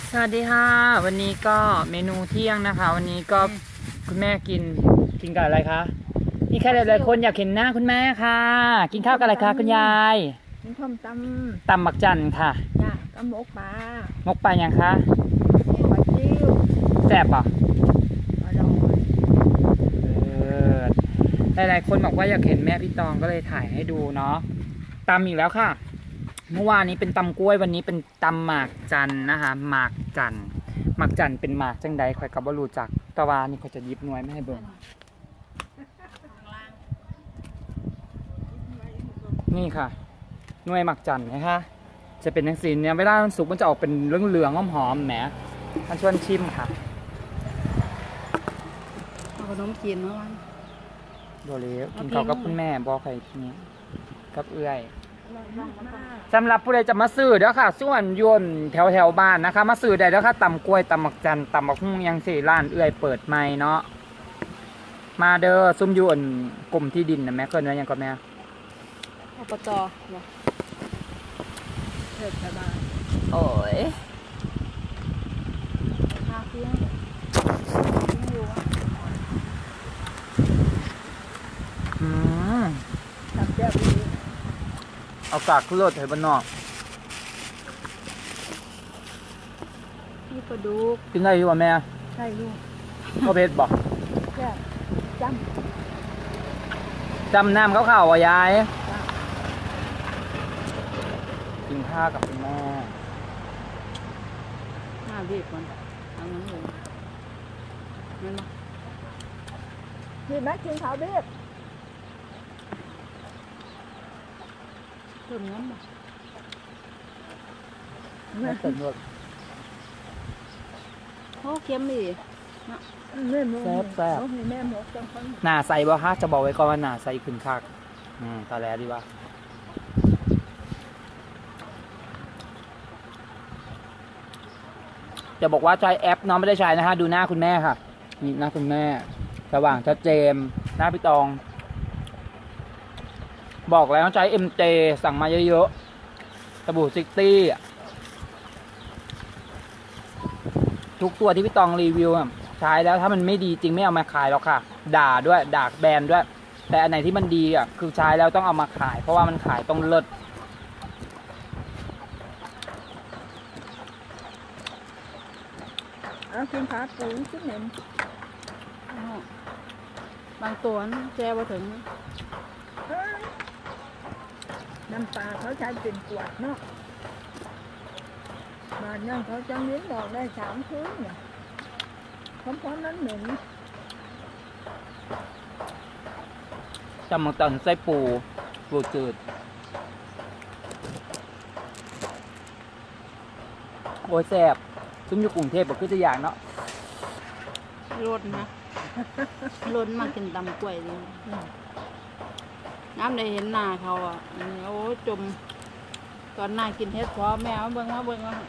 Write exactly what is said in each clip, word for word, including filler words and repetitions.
สวัสดีค่ะวันนี้ก็เมนูเที่ยงนะคะ วันนี้ก็คุณแม่กินกินกับอะไรคะนี่แค่หลายๆคนอยากเห็นหน้าคุณแม่ค่ะ กินข้าวกับอะไรคะคุณยายกินข้าวตำตำบักจันค่ะจ้ะกับหมกปลามกปลายังคะปลาจิ้วแซ่บป่ะอร่อยเออหลายๆคนบอกว่าอยากเห็นแม่พี่ตองก็เลยถ่ายให้ดูเนาะตำอีกแล้วค่ะเมื่อวานนี้เป็นตำกล้วยวันนี้เป็นตำหมากจันนะคะหมากจันหมากจันเป็นหมากจังใดคอยกับบรูจักตะวานี่เขาจะยิบหน่วยไม่ให้เบิ่งนี่ค่ะหน่วยหมากจันนะคะจะเป็นทั้งสีเนี่ยเวลามันสุกมันจะออกเป็นเหลืองๆหอมๆแหมท่านชวนชิมค่ะเอาขนมจีนมาวันโดเลี้ยวกินข้าวกับคุณแม่บอกใครทีนี้กับเอื้อยสำหรับผู้ใดจะมาซื้อเด้อค่ะส่วนยนแถวแถวบ้านนะคะมาซื้อได้เด้อค่ะตำกล้วยตำหมักจันตำหมักหุ่งยังสี่ร้านเอื้อยเปิดใหม่เนาะมาเด้อซุ่มยนกลุ่มที่ดินนะแม่เคยเนื้อยังก็แม่อบจเนาะเทศบาลโอ้ยคาเฟ่อยู่อืมตับแจ่วดีเอากากขึ้นรถให้บ้านนอกนี่ปลาดุกกินได้อยู่ป่ะแม่ใช่ลูกพ่อเพชรบอกแจ่วจำจำน้ำเขาข่าวว่ายายกินข้าวกับคุณแม่ห้าเบียบมันเอาเงินเลยเงินมาพี่แม็กกินข้าวเบียบเติมเงินมาไม่เติมด้วยโอ้เค็มดิแซ่บแซ่บแม่หมกจังคนหน้าใสบ่ฮะจะบอกไว้ก่อนว่าหน้าใสขึ้นคักอืมตาแลดีว่าจะบอกว่าใช้แอปน้องไม่ได้ใช้นะฮะดูหน้าคุณแม่ค่ะนี่หน้าคุณแม่สว่างชัดเจนหน้าพี่ตองบอกแล้วใช้ เอ็ม เจ สั่งมาเยอะๆสบู่ซิตี้ทุกตัวที่พี่ตองรีวิวใช้แล้วถ้ามันไม่ดีจริงไม่เอามาขายหรอกค่ะด่าด้วยด่าแบรนด์ด้วยแต่อันไหนที่มันดีอ่ะคือใช้แล้วต้องเอามาขายเพราะว่ามันขายต้องเลิศเอากินขาปูชิ้นหนึ่งบางตัวแช่มาถึงน้ำปลาเขาใช้เป็นขวดเนาะบานนั่นเขาจะมิ้นบอกได้สามคืนเนี่ยพร้อมๆนั้นหนึ่งจำมังตันไส้ปูปูจืดโอ้ยแซ่บซุ้มอยู่กรุงเทพบอกคือจะอย่างเนาะล้นนะล้นมากินตำกล้วยเลยน้ำได้เห็นหน้าเขาอ่ะโอ้จมก่อนหน้ากินเฮ็ดพอแม่เบิ่งมาเบิ่งมา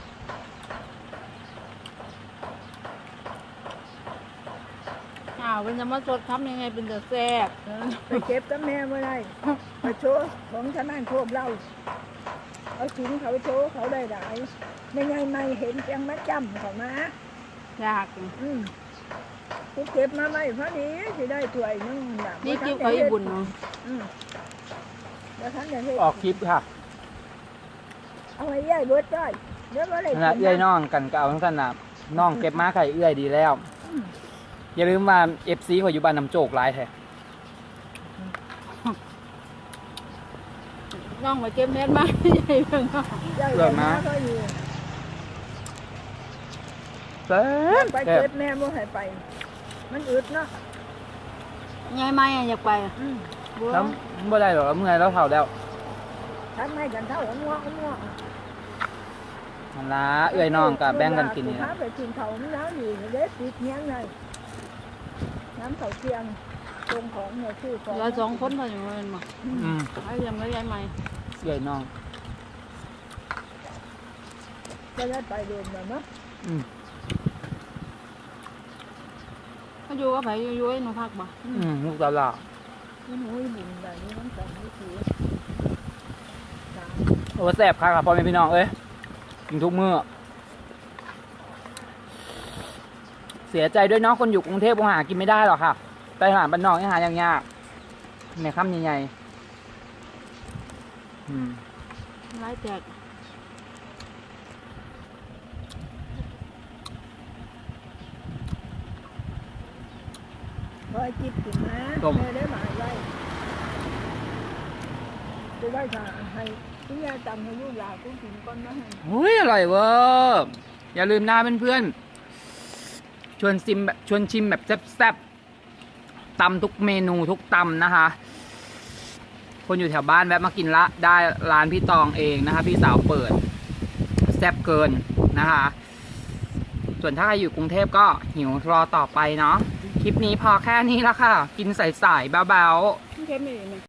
อ้าวเป็นจะมาสดทำยังไงเป็นจะแซ่บไปเก็บกับแม่เมื่อไรไปโชว์ของชาวบ้านโคบเราเอาชิ้นเขาโชว์เขาได้หลายไม่ไงไม่เห็นจังมาจำเขามาอยากอืมกูเก็บมาไม่พอดีสิได้ถ้วยนึงนี่คิวเขาอยู่บุญเนาะอืมแล้วท่านจะออกคลิปค่ะเอาไว้ย่ายเบิดได้เดี๋ยวก็เลยนะเอื้อยน้องกันก็เอาทั้งนั้นนะน้องเก็บมาไข่เอื้อยดีแล้วอย่าลืมว่าเอฟซีของอยู่บ้านน้ำโจกหลายแท้น้องไปเก็บเม็ดมาใหญ่เพิ่งเลิกมาเซ่ไปเก็บแม่บ่ให้ไปมันอึดเนาะไงไม่อยากไปแล้วบ่ได้หรอกเมื่อเราเท่าแล้วทำไม่กันเท่าง่วงง่วงมันละเอื้อยน้องกับแบ่งกันกินนี่นะไปกินเขาไม่แล้วอยู่เด็ดติดเงี้ยเลยน้ำเขาเทียมตรงของเนี่ยชื่อของเราสองคนพออยู่มันมั้งอืมไอ้ยังไม่ย้ายใหม่เอื้อยน้องก็ได้ไปเดินแบบนั้นอืมเขาอยู่ก็ไปอยู่ๆหนูพักบ่อืมลูกตาลาหนูบุญแบบนี้น้ำแต่ไม่ถือโอ้แซ่บค่ะพ่อแม่พี่น้องเอ้ยกินทุกมื้อเสียใจด้วยเนาะคนอยู่กรุงเทพคงหากินไม่ได้หรอกค่ะไปหาบ้านนอกให้หาอย่างยากในค่ำใหญ่ๆอืมร้ายแจก พอจิบกินนะแม่ได้หมายไว้จะได้ค่ะให้คุณยายจำให้ลูกหลานกูกินก่อนนะให้อุ้ยอร่อยเวอร์อย่าลืมนะเพื่อนๆชวนชิมแบบชวนชิมแบบแซ่บๆตำทุกเมนูทุกตำนะคะ คนอยู่แถวบ้านแวะมากินละได้ร้านพี่ตองเองนะคะ พี่สาวเปิดแซ่บเกินนะคะ ส่วนถ้าใครอยู่กรุงเทพก็หิวรอต่อไปเนาะคลิปนี้พอแค่นี้ละค่ะ กินใส่ๆเบาๆเค็มไม่ดีไหม